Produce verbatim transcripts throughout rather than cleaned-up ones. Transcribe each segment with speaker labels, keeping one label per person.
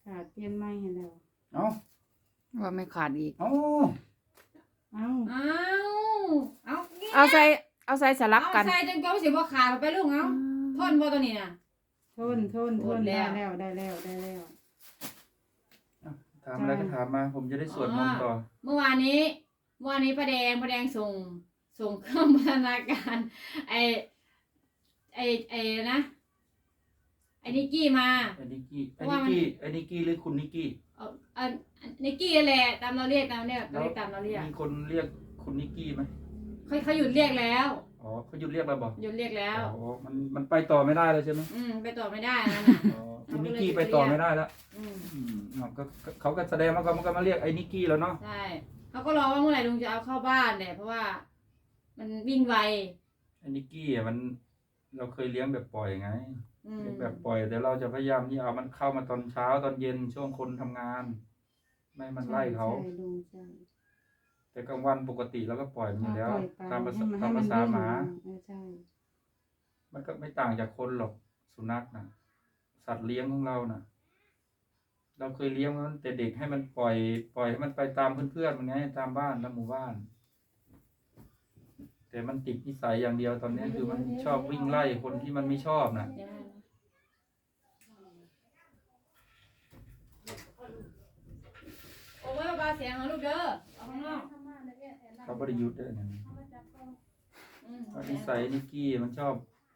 Speaker 1: ขาดเปลี่ยนไม้ให้แล้ว
Speaker 2: เอ้า
Speaker 3: ว่าไม่ขาดอีก
Speaker 2: เอ้า
Speaker 1: เอ้า
Speaker 4: เอาเอานี่
Speaker 3: เอาใส่เอาใส่สลับกัน
Speaker 4: เอาใส่จนกว่าสิบ่ขาดไปลุงเอาทนบ่ตัวนี้น่ะ
Speaker 1: ทนทนท
Speaker 4: หม
Speaker 1: น
Speaker 4: ดแล้
Speaker 1: ได้
Speaker 4: ว
Speaker 1: แล้วได้แล้วได้แล้ว
Speaker 2: ถามอะไรก็ถามมา ผมจะได้สวดมนต์ต่อ
Speaker 4: เมื่อวานนี้เมื่อวานนี้ป้าแดงป้าแดงส่งส่งเครื่องพัฒนาการไอไอไอนะไอนิกกี้มา
Speaker 2: ไอ้นิกกี้ไอ้
Speaker 4: ว่า
Speaker 2: นิก
Speaker 4: มัน
Speaker 2: กี้ไอ้นิกกี้หรือคุณนิกกี้
Speaker 4: เอาอันนิกกี้นั่นแหละตามเราเรียกตามเรียกเราเรียกตามเราเรียก
Speaker 2: มีคนเรียกคุณนิกกี้ไหม
Speaker 4: เขาเขาหยุดเรียกแล้ว
Speaker 2: อ๋อเขาหยุดเรียกแล้วบอก
Speaker 4: หยุดเรียกแล้ว
Speaker 2: อ๋อมันมันไปต่อไม่ได้เลยใช่ไหม
Speaker 4: อืมไปต่อไม่ได้นั่นน่ะ
Speaker 2: อ๋อคุณนิกกี้ไปต่อไม่ได้แล้ว
Speaker 4: อืม
Speaker 2: อืมอ๋อก็ก็เขาก็แสดงว่าเขามันก็มาเรียกไอ้นิกกี้แล้วเนาะ
Speaker 4: ใช่เขาก็รอว่าเมื่อไหร่ลุงจะเอาเข้าบ้านแหละเพราะว่า มันวิ่งไว
Speaker 2: ไอ้นิกกี้อ่ะมันเราเคยเลี้ยงแบบปล่อยไง
Speaker 4: อืม
Speaker 2: เลี้ยงแบบปล่อยแต่เราจะพยายามที่เอามันเข้ามาตอนเช้าตอนเย็นช่วงคนทำงาน ไม่ให้มันไล่เขา
Speaker 1: ใช่ลุงใช่
Speaker 2: แต่กลางวันปกติเราก็ปล่อยมันอยู่แล้ว
Speaker 1: ปล่อยไป
Speaker 2: ตามภาษา
Speaker 1: ให้
Speaker 2: ตาม
Speaker 1: น
Speaker 2: ภาษา
Speaker 1: วิ่ง
Speaker 2: หมา
Speaker 1: เออใช่
Speaker 2: มันก็ไม่ต่างจากคนหรอกสุนัขนะสัตว์เลี้ยงของเรานะเราเคยเลี้ยงมันแต่เด็กให้มันปล่อย ปล่อยให้มันไปตามเพื่อนๆมันไงตามบ้านตามหมู่บ้าน แต่มันติดนิสัยอย่างเดียวตอนนี้คือมันชอบวิ่งไล่คนที่มันไม่ชอบนะ
Speaker 4: เดี๋ยวนะโอ้ยเบาๆเสียงเอาลูกเด้อเอาข้างนอก
Speaker 2: เขาบริยุทธ์ด้วยนะ
Speaker 4: อืม
Speaker 2: ว่านิสัยนิกกี้มันชอบ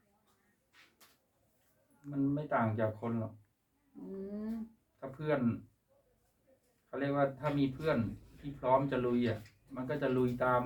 Speaker 2: มันไม่ต่างจากคนหรอก
Speaker 4: อืม
Speaker 2: ถ้าเพื่อนเขาเรียกว่าถ้ามีเพื่อนที่พร้อมจะลุยอ่ะ มันก็จะลุยตาม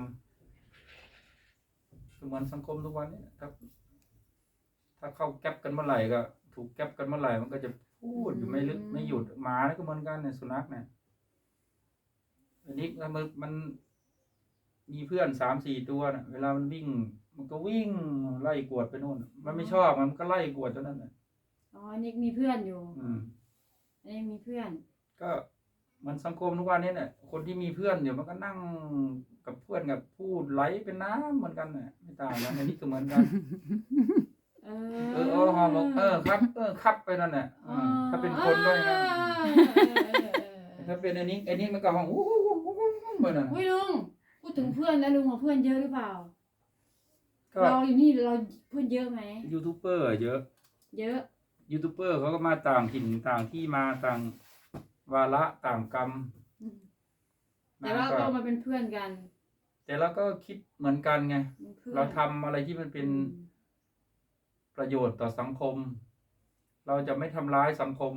Speaker 2: คือเหมือนสังคมทุกวันนี้ถ้าถ้าเข้าแก๊ปกันเมื่อไหร่ก็ ถูกแก๊ปกันเมื่อไหร่มันก็จะพูดอยู่ไม่ลึกไม่หยุดหมาก็เหมือนกันเนี่ยสุนัขเนี่ยอันนี้ถ้ามันมันมีเพื่อนสามสี่ตัวน่ะ เวลามันวิ่ง มันก็วิ่งไล่กวดไปนู่น มันไม่ชอบมันก็ไล่กวดจนนั้นน่ะ
Speaker 4: อ๋อนี่มีเพื่อนอยู่
Speaker 2: อืม
Speaker 4: อันนี้มีเพื่อน
Speaker 2: ก็มันสังคมทุกวันนี้เนี่ยคนที่มีเพื่อนเดี๋ยวมันก็นั่งกับเพื่อนกับพูดไหลเป็นน้ำเหมือนกันเนี่ยไม่ต่างกันอันนี้ก็เหมือนกัน
Speaker 4: เอ
Speaker 2: เออเออฮอบอกเออครับ เออครับไปนั่นแหละอืมถ้าเป็นคนด้วยนะถ้าเป็นอันนี้อันนี้มันก็ห้องอู้หู้หู้หู้หู้เหมือนนั่น
Speaker 4: อุ้ยลุงพูดถึงเพื่อนแล้วลุงของเพื่อนเยอะหรือเปล่า
Speaker 2: ก็
Speaker 4: เราอยู่นี่เราเพื่อนเยอะไหม
Speaker 2: ยูทูบเบอร์เยอะ
Speaker 4: เยอะ
Speaker 2: ยูทูบเบอร์เขาก็มาต่างถิ่นต่างที่มาต่างวาระต่างกรรม
Speaker 4: อืมแต่ว่าก็มาเป็นเพื่อนกัน
Speaker 2: แต่เราก็คิดเหมือนกันไง
Speaker 4: เป็นเพื่อน
Speaker 2: เราทำอะไรที่มันเป็นประโยชน์ต่อสังคม เราจะไม่ทำร้ายสังคม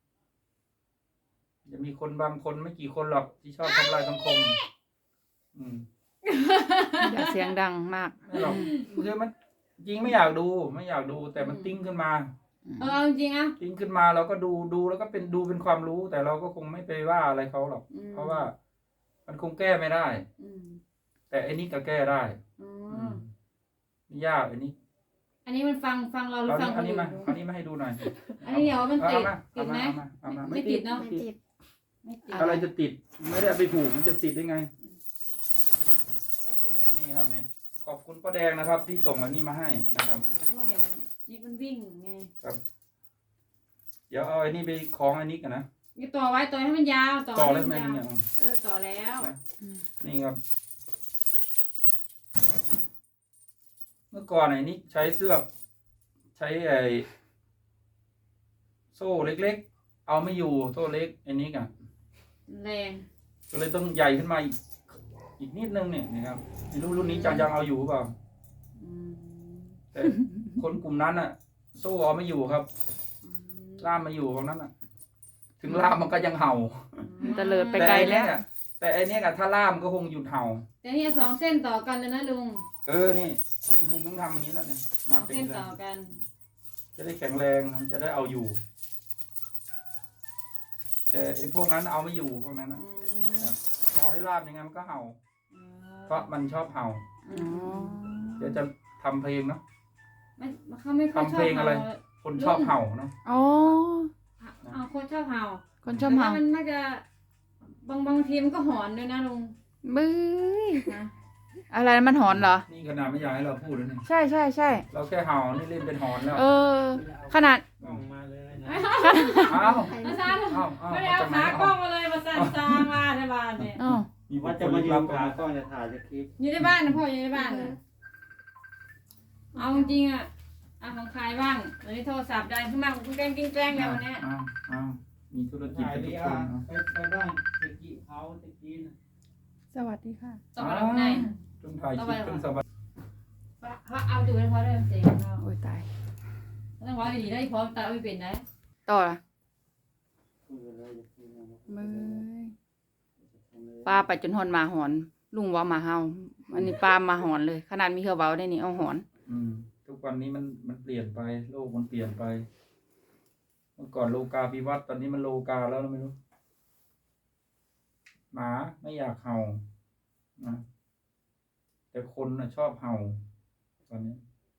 Speaker 2: จะมีคนบางคนไม่กี่คนหรอกที่ชอบทำลายสังคม อืม
Speaker 3: อย่าเสียงดังมาก
Speaker 2: ไม่หรอกคือมันจริงไม่อยากดู ไม่อยากดู แต่มันติ้งขึ้นมา
Speaker 4: เออเอาจริงๆอ่ะ
Speaker 2: ติ้งขึ้นมาเราก็ดูดูแล้วก็เป็นดูเป็นความรู้ แต่เราก็คงไม่ไปว่าอะไรเขาหรอก
Speaker 4: อืม
Speaker 2: เพราะว่ามันคงแก้ไม่ได้
Speaker 4: อืม
Speaker 2: แต่อันนี้ก็แก้ได้
Speaker 4: อ๋
Speaker 2: อื
Speaker 4: อ
Speaker 2: มไม่ยากอันนี้
Speaker 4: อันนี้มันฟังฟังเราหรือ
Speaker 2: เอา
Speaker 4: ฟัง
Speaker 2: อัน
Speaker 4: ค
Speaker 2: นี้
Speaker 4: น
Speaker 2: มา
Speaker 4: อื่น
Speaker 2: อันนี้มาให้ดูหน่อย
Speaker 4: อันนี้เดี๋ยวมันติด
Speaker 2: เอามา
Speaker 4: ติดไหม
Speaker 2: เอามาเอามา
Speaker 4: ไม่ติดเนาะ
Speaker 2: ไม่ติด
Speaker 4: ไม่ติด
Speaker 2: อะไรจะติด ไม่ได้เอาไปผูกมันจะติดได้ไง นี่ครับนี่ขอบคุณป้าแดงนะครับ ที่ส่งอันนี้มาให้นะครับ
Speaker 4: เพราะว่าเห็นนี่มันวิ่งไง
Speaker 2: เดี๋ยวเอาอันนี้ไปคล้องอันนี้กันนะ
Speaker 4: นี่ต่อไว้ต่อให้มันยาวต่อ
Speaker 2: ต่อ
Speaker 4: ให้
Speaker 2: แล้ว
Speaker 4: มั
Speaker 2: ทำไม
Speaker 4: น
Speaker 2: มัน
Speaker 4: ยาว
Speaker 2: เนี่ย
Speaker 4: เออต่อแล้ว
Speaker 2: นี่ครับ เมื่อก่อนไอ้นี่ใช้เสื้อกใช้ไอ้โซ่เล็กๆ เอาไม่อยู่โซ่เล็กไอ้นี้กัน
Speaker 4: แรง
Speaker 2: ก็เลยต้องใหญ่ขึ้นมาอีกอีกนิดนึงเนี่ยนะครับไม่รู้รุ่นนี้จะยังเอาอยู่หรือเปล่า
Speaker 4: อืม
Speaker 2: แต่คนกลุ่มนั้นอ่ะ โซ่เอาไม่อยู่ครับ
Speaker 4: อืม
Speaker 2: ล่ามมาอยู่ตรงนั้นอ่ะ ถึงล่ามมันก็ยังเห่า
Speaker 3: มันตะเลิดไปไกลแล้ว
Speaker 2: แต่ไอ้เนี่ยกับถ้าล่ามก็คงหยุดเห่า
Speaker 4: แต่นี่สองเส้นต่อกันเลยนะลุง
Speaker 2: เออนี่คงต้องทำอย่างนี้แล้วเนี่ย
Speaker 4: สอ
Speaker 2: มาง เป็น
Speaker 4: เส้น
Speaker 2: เล
Speaker 4: ต่อย กัน
Speaker 2: จะได้แข็งแรงจะได้เอาอยู่ แต่ไอ้พวกนั้นเอาไม่อยู่พวกนั้นนะ
Speaker 4: อืม
Speaker 2: พอให้ล่ามยังไงมันก็เห่า
Speaker 4: อ๋อ
Speaker 2: เพราะมันชอบเห่า
Speaker 4: อื
Speaker 3: อ๋อ
Speaker 4: ม
Speaker 2: เดี๋ยวจะทำเพลงเนาะ
Speaker 4: ไม่เขาไม่ค่อยช
Speaker 2: ทำ
Speaker 4: อบ
Speaker 2: เพลงอะไร
Speaker 4: เห่า
Speaker 2: คนชอบเห่าเนาะ
Speaker 3: อ๋อ
Speaker 4: เอาคนชอบเห่า
Speaker 3: คนชอบเห่า
Speaker 4: แต่ว่มันน่าจะบางบางทีมันก็หอนด้วยนะลุง
Speaker 3: บื้อ
Speaker 4: นะ
Speaker 3: อะไรมันหอนเหรอ
Speaker 2: นี่ขนาดไม่อยากให้เราพูดเลยเนี่ย
Speaker 3: ใช่ใช่ใช่
Speaker 2: เราแค่เห่านี่เล่นเป็นหอนแล้ว
Speaker 3: เออ ขนาด
Speaker 5: ส่งมาเลยนะ
Speaker 2: อ้าว
Speaker 4: มาซาน
Speaker 2: อ้าวอ้าว
Speaker 4: ไม่ได้เอาขากล้องมาเลยมาซานจางมาในบ้านเนี่ย
Speaker 3: อ้าว
Speaker 2: มีบุ
Speaker 5: ว่า
Speaker 2: ค
Speaker 5: จะ
Speaker 2: คล
Speaker 5: มา
Speaker 2: ลึก
Speaker 5: ยื
Speaker 2: ลั
Speaker 5: ม
Speaker 2: บ
Speaker 5: ขากล้องจะถ่ายจะคลิป
Speaker 4: อยู่ในบ้านนะพ่ออยู่ในบ้านนะเอาจริงๆอ่ะเอาของใครบ้างวันนี้โทรศัพท์ดังขึ้นมากุ้งแกล้งกิ้งแกล้งแล้ววันเนี้ย
Speaker 2: อ้าวอ้าวมีธุรกิจ
Speaker 5: ถ่าย
Speaker 2: กันทุ
Speaker 5: ดี
Speaker 2: กค
Speaker 5: อ่ะ
Speaker 2: นเนาะ
Speaker 5: ไปไปบ้านตะกี้เขาตะกี้นะ
Speaker 3: สวัสดีค่ะ
Speaker 4: ต้องมาทำไง
Speaker 2: ต้องถ่ายคลิปต้องสบาย
Speaker 4: เพราะเอาดูให้พ่อเริ่มเสียงเรา
Speaker 3: โอ้ยตาย
Speaker 4: ต้องว่าดีได้พร้อมตาไม่เป็นได้
Speaker 3: ต่อละ
Speaker 5: คุยกันเลยอย่าคุยกันนะ
Speaker 3: มือป้าไปจนหอนหมาหอน ลุงว่าหมาเฮาอันนี้ป้ามาหอนเลย ขนาดมีเครือเบาได้นี่เอาหอน
Speaker 2: อืมทุกวันนี้มันมันเปลี่ยนไปโลกมันเปลี่ยนไป เมื่อก่อนโลกาภิวัตน์ตอนนี้มันโลกาแล้วไม่รู้ หมาไม่อยากเห่านะแต่คนนะชอบเห่า ตอนนี้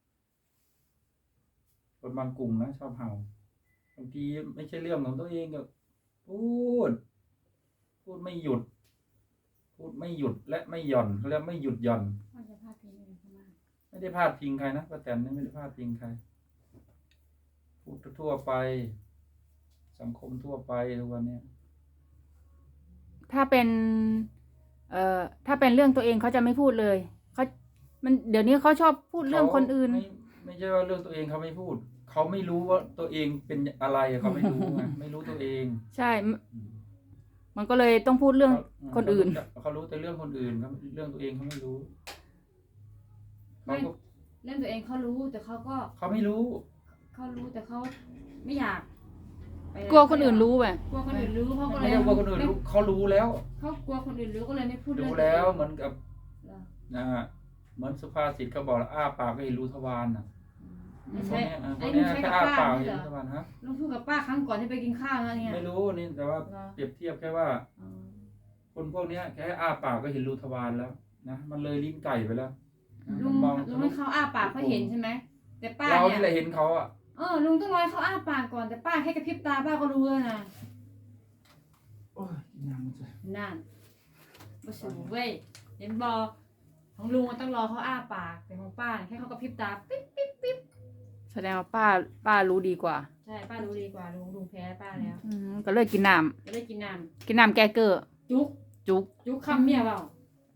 Speaker 2: คนบางกลุ่มนะชอบเห่าบางทีไม่ใช่เรื่องของตัวเองก็พูด พูดไม่หยุด พูดไม่หยุดและไม่หย่อนเขาเรียกไม่หยุดหย่อน
Speaker 4: พ่อจะพาพี่เลยเข้ามา
Speaker 2: ไม่ได้พาดพิงใครนะป้าแตนนี่ไม่ได้พาดพิงใคร พูดทั่วไป สังคมทั่วไปทุกวันเนี้ย
Speaker 3: ถ้าเป็น เอ่อ ถ้าเป็นเรื่องตัวเองเขาจะไม่พูดเลยเขามันเดี๋ยวนี้เขาชอบพูดเรื่องคนอื่น
Speaker 2: ไม่ไม่ใช่ว่าเรื่องตัวเองเขาไม่พูด เขาไม่รู้ว่าตัวเองเป็นอะไรเขาไม่รู้ไง ไม่รู้ตัวเอง
Speaker 3: ใช่ มันก็เลยต้องพูดเรื่อง คนอื่น
Speaker 2: เขาเขารู้แต่เรื่องคนอื่นเขาเรื่องตัวเองเขาไม่รู้เขา
Speaker 4: ไม่
Speaker 2: ก็
Speaker 4: เรื่องตัวเองเขารู้แต่เขาก็
Speaker 2: เขาไม่รู้
Speaker 4: เขารู้แต่เขาไม่อยากไป
Speaker 3: กลัวคนอื่นรู้ไป
Speaker 4: กลัวคนอื่นรู้เขาก็เล
Speaker 2: ไม่
Speaker 4: ย
Speaker 2: ใช่ว่าคนอื่นรู้เขารู้แล้ว
Speaker 4: เขากลัวคนอื่นรู้ก็เลยไม่พูดเรื่อ
Speaker 2: รู้
Speaker 4: ง
Speaker 2: แล้วเหมือนกับ
Speaker 4: เหรอ
Speaker 2: นะฮะเหมือนสุภาษิตเขาบอกอ้าปากก็เห็นรูทวารน่ะ
Speaker 4: ไม่
Speaker 2: พว
Speaker 4: ใช่
Speaker 2: กเนี้ยอ่ะพ
Speaker 4: ไอ้
Speaker 2: วก
Speaker 4: ลุ
Speaker 2: เนี้
Speaker 4: ง
Speaker 2: ย
Speaker 4: ใช้
Speaker 2: แค่
Speaker 4: กับ
Speaker 2: อ้า
Speaker 4: ป้า
Speaker 2: ปาก
Speaker 4: ไม่
Speaker 2: เห็น
Speaker 4: เหรอ
Speaker 2: รูทวารฮะ
Speaker 4: ลุงพูดกับป้าครั้งก่อนที่ไปกินข้าวนะเนี่ย
Speaker 2: ไม่รู้นี่แต่ว่า
Speaker 4: เหรอ
Speaker 2: เปรียบเทียบแค่ว่า
Speaker 4: อ๋อ
Speaker 2: คนพวกเนี้ยแค่อ้าปากก็เห็นรูทวารแล้วนะมันเลยลิ้นไก่ไปแล้วนะ
Speaker 4: ลุง
Speaker 2: มอง
Speaker 4: ลุงให้เขาอ้าปากเขาเห็นใช่ไหมแต่ป้า
Speaker 2: เรา
Speaker 4: เนี่
Speaker 2: นี่แหละ
Speaker 4: ย
Speaker 2: เห็นเขาอ่ะ
Speaker 4: เออลุงต้องรอให้เขาอ้าปากก่อนแต่ป้าแค่กระพริบตาป้าก็รู้แล้วนะ
Speaker 2: โอ้ยน้ำมันจะ
Speaker 4: นั่นมาสูเว้ยเห็นบอของลุงมันต้องรอเขาอ้าปากแต่ของป้าเนี่ยแค่เขากระพริบตาปิ๊บปิ๊บปิ๊บ
Speaker 3: แสดงว่าป้า ป้ารู้ดีกว่า
Speaker 4: ใช่ป้ารู้ดีกว่าลุงลุงแพ้ป้าแล้ว
Speaker 3: อืมก็เลยกินน้
Speaker 4: จะได้กินน้
Speaker 3: ำกินน้ำแก้เกลือ
Speaker 4: ำจุก
Speaker 3: จุก
Speaker 4: จุกคำเมียเปล่า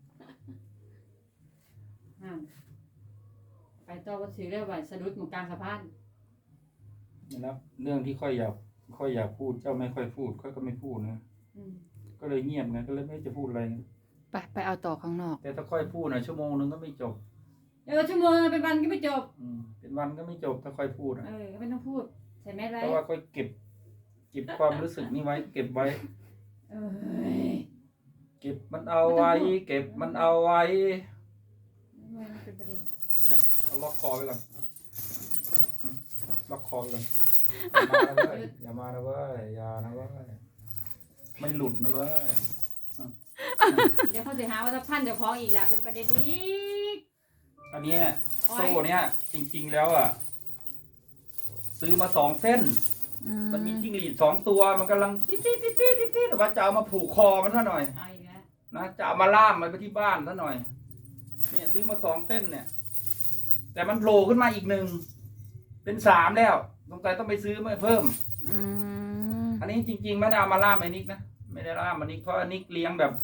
Speaker 4: อ่าไปต่อวัดสือเรื่องว่าสะดุดหมู่กลางสะพาน
Speaker 2: นะครับเรื่องที่ค่อยอยากค่อยอยากพูดเจ้าไม่ค่อยพูดค่อยก็ไม่พูดนะ
Speaker 4: อืม
Speaker 2: ก็เลยเงียบไงก็เลยไม่จะพูดอะไรไง
Speaker 3: ไปไปเอาต่อข้างนอก
Speaker 2: แต่ถ้าค่อยพูดนะชั่วโมงนึงก็ไม่จบ
Speaker 4: เออชั่วโมงเป็นวันก็ไม่จบ
Speaker 2: อืมเป็นวันก็ไม่จบถ้าค่อยพูดอะ
Speaker 4: เออก็ไม่ต้องพูดใส่แมสไว้
Speaker 2: เพราะว่าค่อยเก็บ เก็บความรู้สึกนี้ไว้ เก็บไว้
Speaker 4: เออ
Speaker 2: เก็บมันเอาไว้ เก็บมันเอาไว้
Speaker 4: ไม่เป็นประเด็น
Speaker 2: เอาล็อกคอไว้ก่อนอืมล็อกคอไว้ก่อนอย่ามานะเว้ยอย่ามานะเว้ยอย่านะเว้ยไม่หลุดนะเว้ย
Speaker 4: เดี๋ยวเขาจะหาว่าถ้าพันเจะคล้าของอีกแล้วเป็นประเด็นอีก
Speaker 2: อันเนี้ยโซ่เนี้ยจริง ๆแล้วอ่ะ ซื้อมาสองเส้น
Speaker 3: อื
Speaker 2: มันมีจิ้งหรีดสองตัวมันกำลังติ๊ดติ๊ดติ๊ดติ๊ดติ๊ดแต่ว่าจะเอามาผูกคอมันซะหน่อย
Speaker 4: เอาอีกแล้ว
Speaker 2: นะจะเอามาล่ามมันไปที่บ้านซะหน่อย เนี่ยซื้อมาสองเส้นเนี่ย แต่มันโผล่ขึ้นมาอีกหนึ่งเป็นสามแล้วสงสัยต้องไปซื้อมาเพิ่ม
Speaker 3: อืม
Speaker 2: อันนี้จริง ๆ ไม่ได้เอามาล่ามไอ้นิกนะไม่ได้ล่ามมันนิกเพราะนิกเลี้ยงแบบ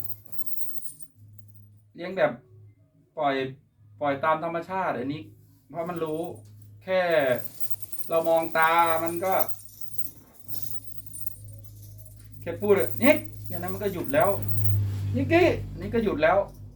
Speaker 2: เลี้ยงแบบ ปล่อย ปล่อยตามธรรมชาติไอ้นิกเพราะมันรู้ แค่ เรามองตามันก็ แค่พูดเลยนิกเนี่ยนะมันก็หยุดแล้วนิกกี้นี่ก็หยุดแล้ว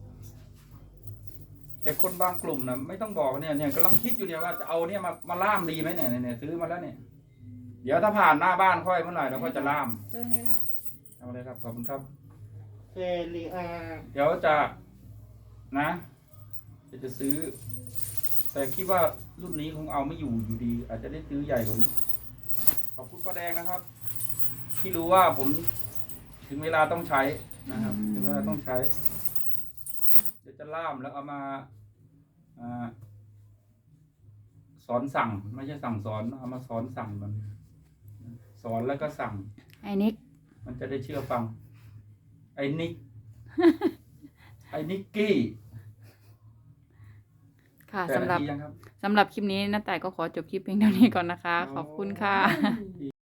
Speaker 2: แต่คนบางกลุ่มนะไม่ต้องบอกเนี่ยเนี่ยกำลังคิดอยู่เนี่ยว่าจะเอาเนี่ยมามาล่ามดีไหมเนี่ยเนี่ยซื้อมาแล้วเนี่ย เดี๋ยวถ้าผ่านหน้าบ้านค่อยเมื่อไหร่เราก็จะล่าม
Speaker 4: เจอนี้แหละ
Speaker 2: เอาเลยครับขอบคุณครับ
Speaker 5: เฟรีอา
Speaker 2: เดี๋ยวจะนะจะจะซื้อ แต่คิดว่ารุ่นนี้คงเอาไม่อยู่อยู่ดี อาจจะได้ซื้อใหญ่กว่านี้ขอบคุณป้าแดงนะครับ ที่รู้ว่าผมถึงเวลาต้องใช้นะครับ ถึงเวลาต้องใช้ เดี๋ยวจะล่ามแล้วเอามาอ่าสอนสั่ง ไม่ใช่สั่งสอนเอามาสอนสั่งมัน สอนแล้วก็สั่ง
Speaker 3: ไอ้นิก
Speaker 2: มันจะได้เชื่อฟัง ไอ้นิก ไอ้นิกกี้
Speaker 3: ค่ะ
Speaker 2: แต่
Speaker 3: สำหรับ
Speaker 2: นาทียังครับ
Speaker 3: สำหรับคลิปนี้น้าแต่ายก็ขอจบคลิปเพียงเท่านี้ก่อนนะคะ ขอบคุณค่ะ
Speaker 2: โอ้